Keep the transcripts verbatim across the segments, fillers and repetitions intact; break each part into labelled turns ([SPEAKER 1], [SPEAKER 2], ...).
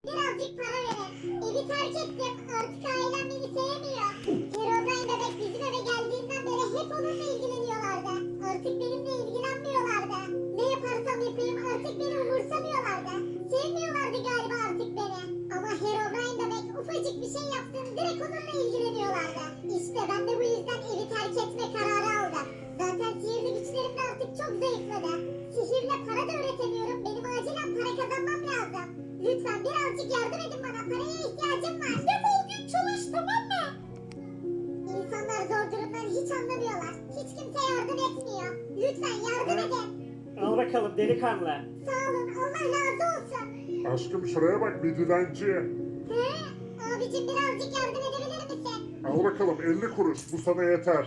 [SPEAKER 1] Birazcık para verin. Evi terk ettim. Artık ailem beni sevmiyor. Herobrine bebek bizim eve geldiğinden beri hep onunla ilgileniyorlardı. Artık benimle ilgilenmiyorlardı. Ne yaparsam yapayım artık beni umursamıyorlardı. Sevmiyorlardı galiba artık beni. Ama Herobrine bebek ufacık bir şey yapsın direkt onunla ilgileniyorlardı. İşte ben de bu yüzden evi terk etme kararı aldım. Zaten sihirli güçlerim de artık çok zayıfladı. Sihirle para da üretemiyorum. Benim acilen para kazanmam lazım. Lütfen birazcık yardım edin bana. Paraya ihtiyacım var. Defol git çalış, tamam mı? İnsanlar zor durumdan hiç anlamıyorlar. Hiç kimse yardım etmiyor. Lütfen yardım edin.
[SPEAKER 2] Al bakalım delikanlı.
[SPEAKER 1] Sağ olun. Allah razı olsun.
[SPEAKER 3] Aşkım şuraya bak bir dilenci.
[SPEAKER 1] He? Abicim birazcık yardım edebilir misin?
[SPEAKER 3] Al bakalım elli kuruş bu sana yeter.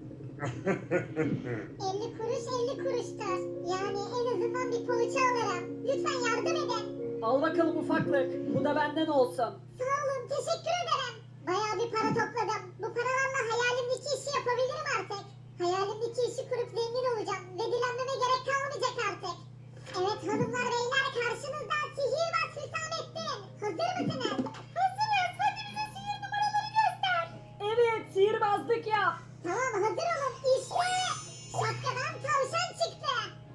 [SPEAKER 1] elli kuruş elli kuruştur. Yani en azından bir poğaça alırım. Lütfen yardım edin.
[SPEAKER 2] Al bakalım ufaklık. Bu da benden olsun.
[SPEAKER 1] Sağ olun, teşekkür ederim. Bayağı bir para topladım. Bu paralarla hayalimdeki işi yapabilirim artık. Hayalimdeki işi kurup zengin olacağım ve dilenmeme gerek kalmayacak artık. Evet hanımlar beyler, karşınızda sihirbaz Hüsamettin. Hazır mısınız? Hazırız. Hadi bize sihir numaraları göster.
[SPEAKER 2] Evet, sihirbazlık yap.
[SPEAKER 1] Tamam, hazır olun. İşte şapkadan tavşan çıktı.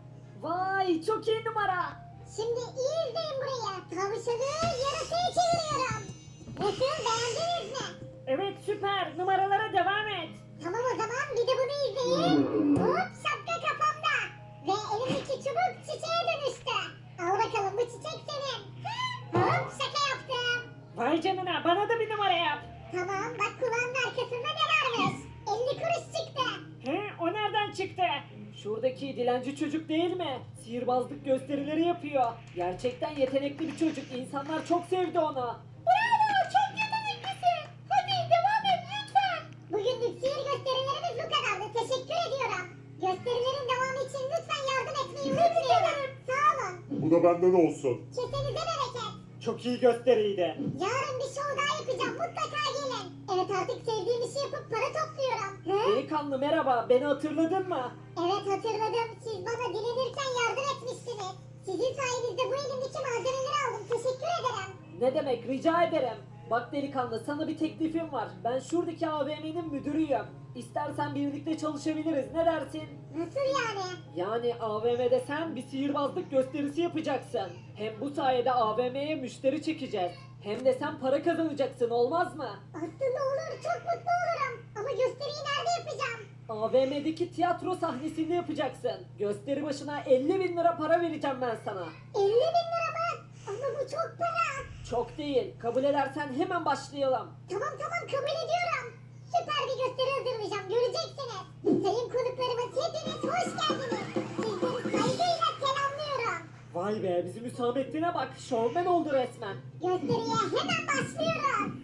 [SPEAKER 2] Vay, çok iyi numara.
[SPEAKER 1] Şimdi iyi izleyin burayı. Tavşanı yarasaya çeviriyorum. Nasıl, beğendiniz mi?
[SPEAKER 2] Evet, süper. Numaralara devam et.
[SPEAKER 1] Tamam o zaman bir de bunu izleyin. Hop, şapka kafamda. Ve elimdeki çubuk çiçeğe dönüştü. Al bakalım, bu çiçek senin. Hop, şaka yaptım.
[SPEAKER 2] Vay canına, bana da bir numara yap.
[SPEAKER 1] Tamam, bak kulağının arkasında ne varmış? elli kuruş çıktı.
[SPEAKER 2] He, o nereden çıktı? Şuradaki dilenci çocuk değil mi? Sihirbazlık gösterileri yapıyor. Gerçekten yetenekli bir çocuk. İnsanlar çok sevdi onu.
[SPEAKER 1] Bravo, çok yeteneklisin. Hadi devam et lütfen. Bugünlük sihir gösterilerimiz bu kadardı. Teşekkür ediyorum. Gösterilerin devamı için lütfen yardım etmeyi unutmayın. Sağ olun.
[SPEAKER 3] Bu da benden olsun.
[SPEAKER 1] Kesenize bereket.
[SPEAKER 2] Çok iyi gösteriydi.
[SPEAKER 1] Yarın bir show daha yapacağım. Mutlaka gelin. Evet, artık sevdiğim işi yapıp para topluyorum. Hı?
[SPEAKER 2] Delikanlı merhaba, beni hatırladın mı?
[SPEAKER 1] Evet, hatırladım. Siz bana dilenirken yardım etmiştiniz. Sizin sayenizde bu elimdeki malzemeleri aldım. Teşekkür ederim.
[SPEAKER 2] Ne demek, rica ederim. Bak delikanlı, sana bir teklifim var. Ben şuradaki A V M'nin müdürüyüm. İstersen birlikte çalışabiliriz, ne dersin?
[SPEAKER 1] Nasıl yani?
[SPEAKER 2] Yani A V M'de sen bir sihirbazlık gösterisi yapacaksın. Hem bu sayede A V M'ye müşteri çekeceğiz. Hem de sen para kazanacaksın, olmaz mı?
[SPEAKER 1] Aslında olur. Çok mutlu olurum. Ama gösteriyi nerede yapacağım?
[SPEAKER 2] A V M'deki tiyatro sahnesinde yapacaksın. Gösteri başına elli bin lira para vereceğim ben sana.
[SPEAKER 1] elli bin lira mı? Ama bu çok para.
[SPEAKER 2] Çok değil, kabul edersen hemen başlayalım.
[SPEAKER 1] Tamam tamam, kabul ediyorum. Süper bir gösteri hazırlayacağım. Göreceksiniz. Sayın konuklarımız, hepiniz hoş geldiniz. Sizleri saygıyla selamlıyorum.
[SPEAKER 2] Vay be, bizim Hüsamettin'e bak, şovmen oldu resmen.
[SPEAKER 1] Gösteriye hemen başlıyoruz.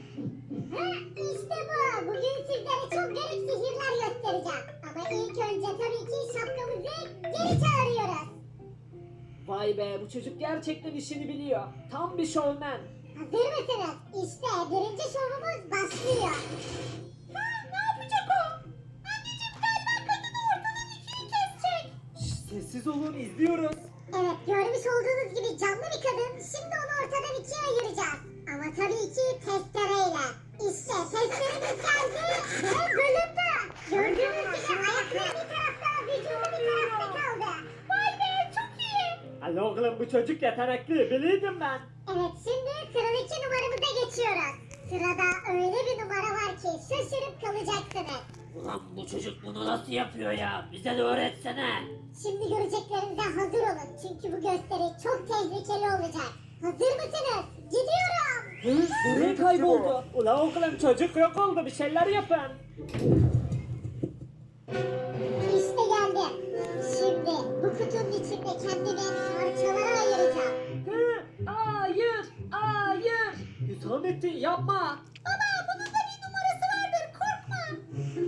[SPEAKER 1] Ha, işte bu. Bugün sizlere çok garip sihirler göstereceğim. Ama ilk önce tabii ki şapkamızı geri çağırıyoruz.
[SPEAKER 2] Vay be, bu çocuk gerçekten işini biliyor. Tam bir şovmen.
[SPEAKER 1] Hazır mısınız? İşte birinci şovumuz başlıyor. Ha, ne yapacak o? Anneciğim galiba kadını ortadan ikiye kesecek.
[SPEAKER 2] Şş, sessiz olun, izliyoruz.
[SPEAKER 1] Evet, görmüş olduğunuz gibi canlı bir kadın. Şimdi onu ortadan ikiye ayıracağız. Ama tabii ki testereyle. İşte testeremiz geldi ve bölündü. Gördüğünüz gibi ayakları bir tarafta, vücudu bir tarafta kaldı. Vay be, çok iyi.
[SPEAKER 2] Alo oğlum, bu çocuk yetenekli, biliyordum ben.
[SPEAKER 1] Evet, şimdi sıradaki numaramıza geçiyoruz. Sırada öyle bir numara var ki şaşırıp kalacaksınız.
[SPEAKER 2] Ulan bu çocuk bunu nasıl yapıyor ya? Bize de öğretsene.
[SPEAKER 1] Şimdi göreceklerinize hazır olun. Çünkü bu gösteri çok tehlikeli olacak. Hazır mısınız? Gidiyorum.
[SPEAKER 2] Hı? Nereye kayboldu? Ula oğlum, çocuk yok oldu, bir şeyler yapın.
[SPEAKER 1] İşte geldim. Şimdi bu kutunun içinde kendimi parçalara ayıracağım.
[SPEAKER 2] Hı? Hayır, hayır. Hüsamettin yapma.
[SPEAKER 1] Baba, bunun da bir numarası vardır. Korkma.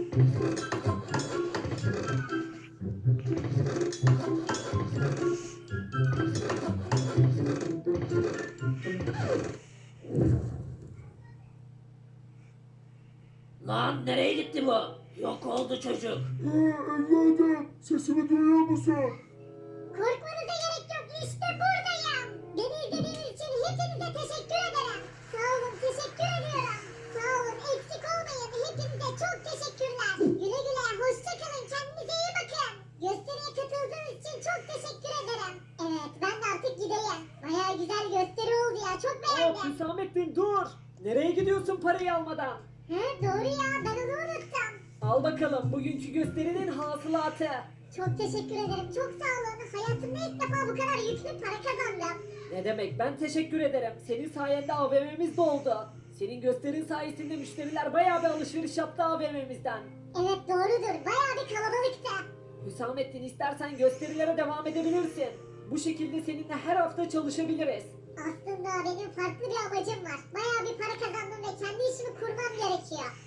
[SPEAKER 2] Lan nereye gitti bu? Yok oldu çocuk.
[SPEAKER 3] Ee, evladım sesimi duyuyor musun?
[SPEAKER 1] Korkmanıza gerek yok. İşte buradayım. Beni izlediğiniz için hepinize Hepinize teşekkür ederim. Sağ olun, teşekkür ediyorum. Sağ olun, eksik olmayın. Hepinize çok teşekkürler. Güle güle, hoşça kalın. Kendinize iyi bakın. Gösteriye katıldığınız için çok teşekkür ederim. Evet, ben de artık gideyim. Bayağı güzel gösteri oldu ya. Çok
[SPEAKER 2] Hop
[SPEAKER 1] beğendim.
[SPEAKER 2] Hüsamettin dur. Nereye gidiyorsun parayı almadan?
[SPEAKER 1] He, doğru ya. Ben onu unuttum.
[SPEAKER 2] Al bakalım bugünkü gösterinin hasılatı.
[SPEAKER 1] Çok teşekkür ederim. Çok sağ olun. Hayatımda ilk defa bu kadar yüklü para kazandım.
[SPEAKER 2] Ne demek, ben teşekkür ederim. Senin sayende A V M'miz doldu. Senin gösterin sayesinde müşteriler bayağı bir alışveriş yaptı A V M'mizden.
[SPEAKER 1] Evet doğrudur. Bayağı bir kalabalıktı.
[SPEAKER 2] Hüsamettin istersen gösterilere devam edebilirsin. Bu şekilde seninle her hafta çalışabiliriz.
[SPEAKER 1] Aslında benim farklı bir amacım var. Bayağı bir para kazandım ve kendi işimi kurmam gerekiyor.